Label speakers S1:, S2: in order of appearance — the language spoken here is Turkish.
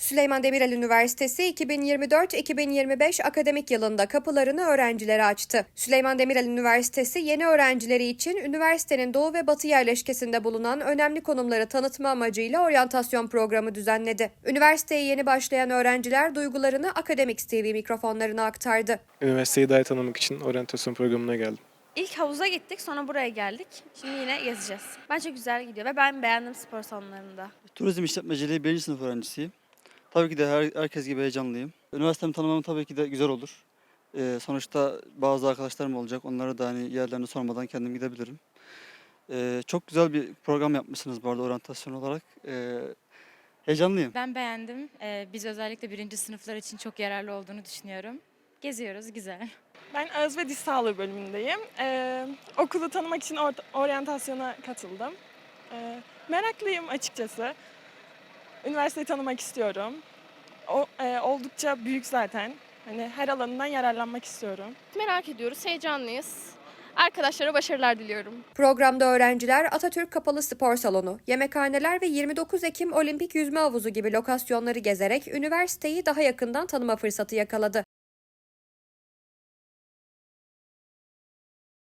S1: Süleyman Demirel Üniversitesi 2024-2025 akademik yılında kapılarını öğrencilere açtı. Süleyman Demirel Üniversitesi yeni öğrencileri için üniversitenin doğu ve batı yerleşkesinde bulunan önemli konumları tanıtma amacıyla oryantasyon programı düzenledi. Üniversiteye yeni başlayan öğrenciler duygularını Akademiks TV mikrofonlarına aktardı.
S2: Üniversiteyi daha iyi tanımak için oryantasyon programına geldim.
S3: İlk havuza gittik, sonra buraya geldik. Şimdi yine gezeceğiz. Bence güzel gidiyor ve ben beğendim spor salonlarında.
S4: Turizm işletmeciliği 1. sınıf öğrencisiyim. Tabii ki de herkes gibi heyecanlıyım. Üniversitemi tanımam tabii ki de güzel olur. Sonuçta bazı arkadaşlarım olacak. Onlara da yerlerini sormadan kendim gidebilirim. Çok güzel bir program yapmışsınız bu arada oryantasyon olarak. Heyecanlıyım.
S5: Ben beğendim. Biz özellikle 1. sınıflar için çok yararlı olduğunu düşünüyorum. Geziyoruz, güzel.
S6: Ben ağız ve diş sağlığı bölümündeyim. Okulu tanımak için oryantasyona katıldım. Meraklıyım açıkçası. Üniversiteyi tanımak istiyorum. Oldukça büyük zaten. Her alanından yararlanmak istiyorum.
S7: Merak ediyoruz, heyecanlıyız. Arkadaşlara başarılar diliyorum.
S1: Programda öğrenciler Atatürk Kapalı Spor Salonu, yemekhaneler ve 29 Ekim Olimpik Yüzme Havuzu gibi lokasyonları gezerek üniversiteyi daha yakından tanıma fırsatı yakaladı.